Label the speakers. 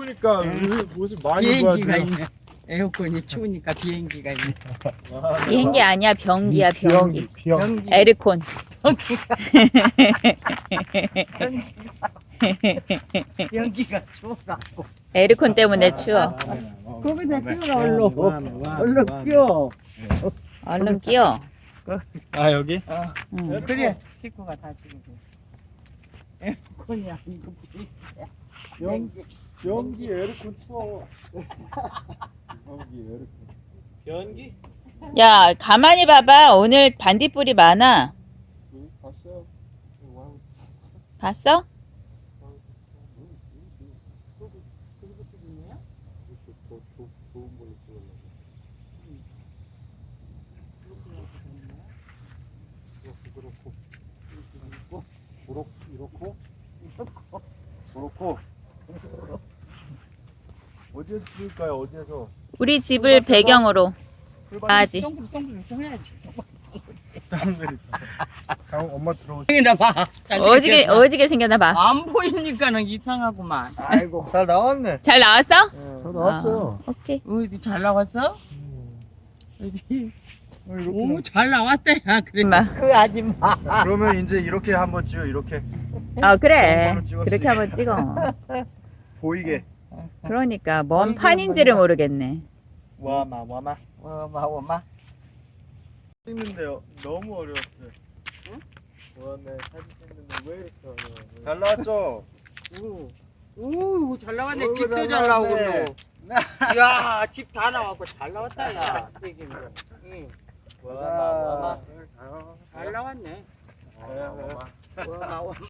Speaker 1: 추우니까 옷을 많이 입어야
Speaker 2: 비행기가
Speaker 1: 돼.
Speaker 2: 있네. 에어컨이 추우니까 비행기가 있네.
Speaker 3: 비행기 아니야, 병기야, 병기.
Speaker 1: 비행기.
Speaker 3: 에르콘.
Speaker 2: 비행기가 추워갖고.
Speaker 3: 에르콘 때문에 추워.
Speaker 2: 거기다 끼워라 얼른 끼워.
Speaker 3: 얼른 끼워.
Speaker 1: 아 여기?
Speaker 3: 응.
Speaker 2: 그래 식구가 다 지금 에어컨이 아니고 비행기야.
Speaker 1: 비행기 에어컨 추워. 비행기 에어컨. 비행기?
Speaker 3: 야, 가만히 봐봐. 오늘 반딧불이 많아.
Speaker 1: 봤어요.
Speaker 3: 봤어?
Speaker 1: 좋은 걸로 찍었네. 그렇고. 어디에서 찍을까요? 어디에서?
Speaker 3: 우리 집을 배경으로. 아지.
Speaker 2: 동그랗게 써야지.
Speaker 1: 엄마 들어오세요.
Speaker 2: 여기나 봐.
Speaker 3: 어지게 생겼나 봐.
Speaker 2: 안 보이니까는 이상하구만.
Speaker 1: 아이고 잘 나왔네.
Speaker 3: 잘 나왔어?
Speaker 1: 잘 나왔어요.
Speaker 3: 오케이.
Speaker 2: 어디 잘 나왔어? 어디?
Speaker 1: 이렇게.
Speaker 2: 오, 잘 나왔다, 야. 그래.
Speaker 3: 엄마.
Speaker 2: 그 아줌마.
Speaker 1: 그러면 이제 이렇게 한번 찍어. 이렇게
Speaker 3: 그래.
Speaker 1: 찍었으니까.
Speaker 3: 그렇게 한번 찍어.
Speaker 1: 보이게.
Speaker 3: 그러니까 뭔 판인지를 모르겠네.
Speaker 1: 와마.
Speaker 2: 엄마.
Speaker 1: 찍는데요. 너무 어려웠어요. 응? 와네 사진 찍는데 왜 이렇게 어려워? 잘 나왔죠?
Speaker 2: 오, 잘 나왔네.
Speaker 1: 어이구,
Speaker 2: 집도
Speaker 1: 잘
Speaker 2: 잘 나오고.
Speaker 1: 나왔네.
Speaker 2: 야, 집 다 나왔고 잘 나왔다, 야. 응.
Speaker 1: 와마.
Speaker 2: 잘 나왔네.
Speaker 1: 와마.
Speaker 2: 엄마.